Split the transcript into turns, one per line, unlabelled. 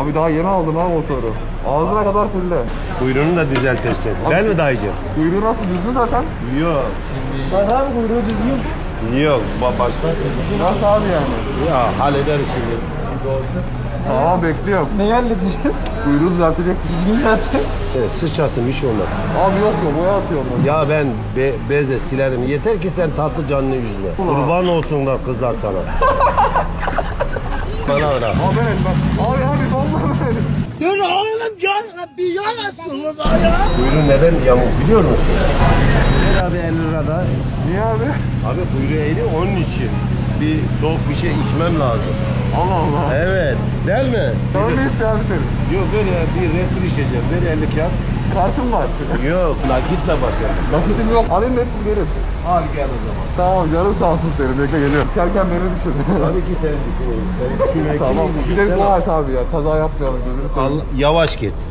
Abi daha yeni aldım ha motoru. Ağzına kadar fulle.
Kuyruğunu da düzeltirsin. Değil mi dayıcım?
Kuyruğu nasıl düzgün zaten?
Yok.
Bak abi kuyruğu düzgün.
Yok. Başka?
Nasıl abi yani?
Ya hallederiz şimdi.
Tamam bekliyorum.
Neyi halledeceğiz?
Kuyruğu düzeltecek.
Düzgün zaten.
Sıçrasın bir şey olmaz.
Abi yok boya atıyorum ben.
Ya ben bezle silerim. Yeter ki sen tatlı canını yüzme. Kurban olsunlar kızlar sana. Bana bırak.
Abi benim bak. Abi vallahi benim.
Dur oğlum ya bir yalasınız ya.
Kuyruğu neden yamuk biliyor musun? Ver abi 50 lirada.
Niye abi?
Abi kuyruğu eğri onun için. Bir soğuk bir şey içmem lazım.
Allah Allah.
Evet. Değil mi?
Ne istiyor abi senin?
Yok ver ya bir Red Bull içeceğim. Ver 50 kağıt.
Kartın var.
Yok nakitle başlayalım.
Nakitim yok. Alayım hep verim.
Al gel o zaman.
Tamam canım sağ olsun senin. Bekle geliyorum. İçerken beni düşün.
Tabii ki sen düşünüyorsun. Sen düşünmek
Tamam. Bir de dua et abi ya. Kaza yapmayalım gözünü seveyim.
Yavaş git.